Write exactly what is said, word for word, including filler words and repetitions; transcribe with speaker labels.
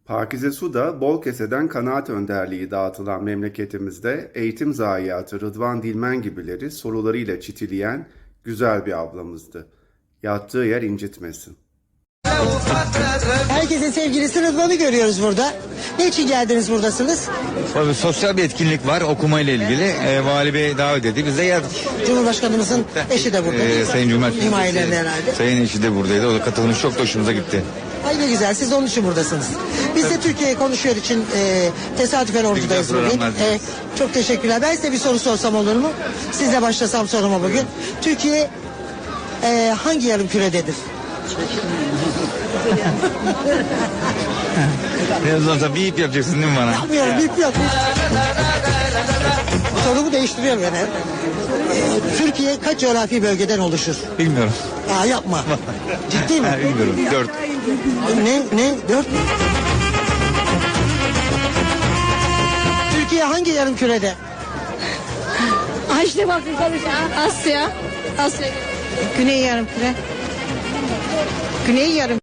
Speaker 1: Pakize Su'da bol keseden kanaat önderliği dağıtılan memleketimizde eğitim zayiatı Rıdvan Dilmen gibileri sorularıyla çitileyen güzel bir ablamızdı. Yattığı yer incitmesin.
Speaker 2: Herkesin sevgilisi Rıdvan'ı görüyoruz burada. Ne için geldiniz buradasınız?
Speaker 3: Tabii sosyal bir etkinlik var okumayla ilgili. E, Vali Bey davet etti. Biz de geldik.
Speaker 2: Cumhurbaşkanımızın eşi de burada.
Speaker 3: E, Sayın Cumhurbaşkanı.
Speaker 2: Himayelerinde herhalde.
Speaker 3: Sayın eşi de buradaydı. O da katılmış, çok da hoşumuza gitti.
Speaker 2: Ay ne güzel, siz onun için buradasınız. Biz de Türkiye konuşuyor için e, tesadüfen oradayız
Speaker 3: güzel
Speaker 2: bugün.
Speaker 3: programlar
Speaker 2: E, çok teşekkürler. Ben size bir soru sorsam olur mu? Sizle başlasam soruma bugün. Türkiye e, hangi yarım kürededir?
Speaker 3: Birazdan sonra bir ip yapacaksın değil mi bana?
Speaker 2: Yapmıyorum, bip yok. Sorumu değiştiriyorum yani. E, Türkiye kaç coğrafi bölgeden oluşur?
Speaker 3: Bilmiyorum.
Speaker 2: Aa yapma. Ciddi mi?
Speaker 3: Ha, bilmiyorum. Dört.
Speaker 2: Ne? Ne? Dört mü? Türkiye hangi yarım kürede?
Speaker 4: Ay işte bak Asya. Asya.
Speaker 5: Güney yarımküre. Güney yarım